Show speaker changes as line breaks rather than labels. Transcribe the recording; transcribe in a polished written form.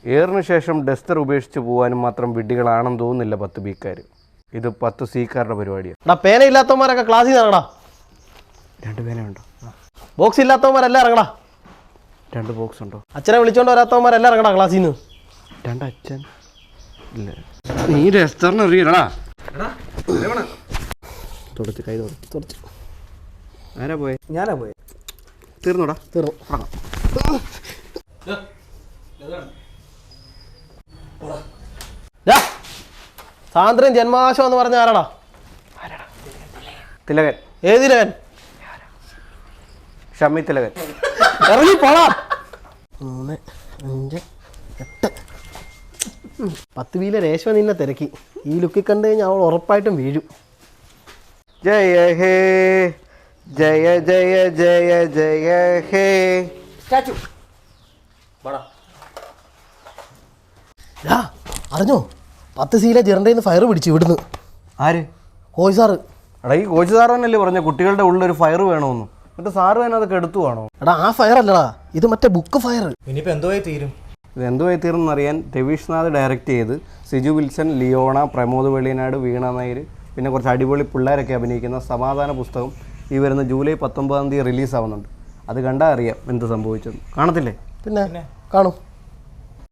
ഏറിന് ശേഷം ഡസ്റ്റർ ഉപേക്ഷിച്ച് പോകാനും മാത്രം വിഡ്ഢികളാണെന്ന് തോന്നുന്നില്ല 10 ബിക്കാർ. ഇത് 10 സിക്കാരുടെ പരിപാടിയാണ്.
എടാ പേന ഇല്ലാത്തവന്മാരൊക്കെ ക്ലാസ്സിൽ നിന്ന് ഇറങ്ങടാ.
2 പേനയുണ്ടോ?
ബോക്സ് ഇല്ലാത്തവന്മാരെല്ലാം ഇറങ്ങടാ.
2 ബോക്സ് ഉണ്ടോ?
അച്ഛനെ വിളിച്ചോണ്ട് വരാത്തവന്മാരെല്ലാം ഇറങ്ങടാ ക്ലാസ്സിൽ നിന്ന്.
2 അച്ഛൻ ഇല്ല. നീ ഡസ്റ്ററിന് അറിയണടാ. തുടച്ച് കൈ തുടച്ച്. ആരാ പോയെ?
ഞാനാ പോയെ.
തീർന്നോടാ?
തീർന്നു. സാന്ദ്രൻ ജന്മാശം എന്ന് പറഞ്ഞ ആരാടാ?
തിലകൻ.
ഏത് തിലകൻ?
ഷമ്മി തിലകൻ.
ഇറങ്ങി പോടാ. 3, 5, 8. 10 വീലെ രേഷ്മ നിന്നെ തിരക്കി. ഈ ലുക്കിൽ കണ്ടു കഴിഞ്ഞാൽ അവൾ ഉറപ്പായിട്ടും വീഴും.
ജയ ഹേ ജയ ജയ ജയ ജയ ഹേ.
സ്റ്റാച്ചു അറിഞ്ഞോ 10 സീലെ ജെറണ്ടയിൽ നിന്ന് ഫയർ പിടിച്ചു ഇവിടുന്ന്.
ആര്?
Coach sir.
എടാ ഈ കോച്ച് സാറ് തന്നെയല്ലേ പറഞ്ഞ കുട്ടികളുടെ ഉള്ളിലൊരു ഫയർ വേണമെന്ന്. എന്നിട്ട് സാറ് തന്നെ അതൊക്കെ എടുത്തു വേണോ?
എടാ ആ ഫയർ അല്ലടാ, ഇത് മറ്റേ ബുക്ക് ഫയർ.
ഇനിയിപ്പോൾ എന്തോയി തീരും?
ഇത് എന്തുമായി തീർന്നറിയാൻ രവീഷ്നാഥ് ഡയറക്റ്റ് ചെയ്ത് സിജു വിൽസൺ, ലിയോണ, പ്രമോദ് വെള്ളിനാട്, വീണ നായർ, പിന്നെ കുറച്ച് അടിപൊളി പിള്ളേരൊക്കെ അഭിനയിക്കുന്ന സമാധാന പുസ്തകം ഈ വരുന്ന ജൂലൈ 19 റിലീസാവുന്നുണ്ട്. അത് കണ്ടാൽ അറിയാം എന്ത് സംഭവിച്ചെന്ന്. കാണത്തില്ലേ?
പിന്നെ കാണും.